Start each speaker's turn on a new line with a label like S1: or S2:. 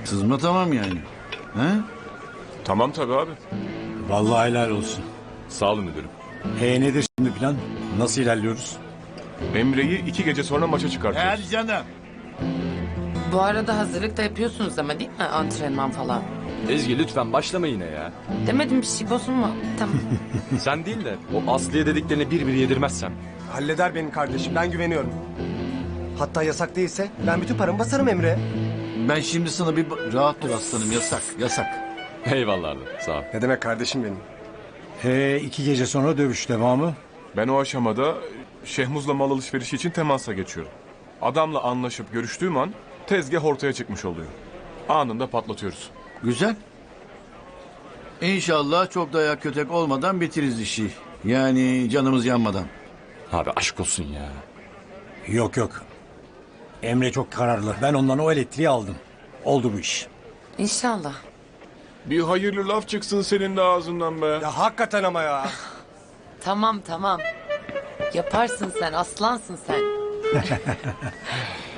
S1: Sızma tamam yani. He?
S2: Tamam tabii abi.
S3: Vallahi helal olsun.
S2: Sağ olun müdürüm.
S3: Nedir şimdi plan? Nasıl ilerliyoruz?
S2: Emre'yi 2 gece sonra maça çıkartıyoruz.
S1: Hadi canım.
S4: Bu arada hazırlık da yapıyorsunuz ama değil mi? Antrenman falan.
S5: Ezgi lütfen başlama yine ya.
S4: Demedim bir şey bozulma. Tamam.
S5: Sen değil de o Aslı'ya dediklerini bir bir yedirmezsem.
S6: Halleder benim kardeşim, ben güveniyorum. Hatta yasak değilse ben bütün paramı basarım Emre.
S1: Ben şimdi sana bir rahat dur aslanım, yasak yasak.
S5: Eyvallah abi, sağ ol.
S6: Ne demek kardeşim benim?
S3: 2 gece sonra dövüş devamı.
S2: Ben o aşamada Şehmuz'la mal alışverişi için temasa geçiyorum. Adamla anlaşıp görüştüğüm an tezgah ortaya çıkmış oluyor. Anında patlatıyoruz.
S1: Güzel. İnşallah çok dayak kötek olmadan bitiririz işi. Yani canımız yanmadan.
S5: Abi aşk olsun ya.
S3: Yok. Emre çok kararlı. Ben ondan o elektriği aldım. Oldu bu iş.
S4: İnşallah.
S2: Bir hayırlı laf çıksın senin de ağzından be.
S6: Ya hakikaten ama ya.
S4: Tamam. Yaparsın sen, aslansın sen.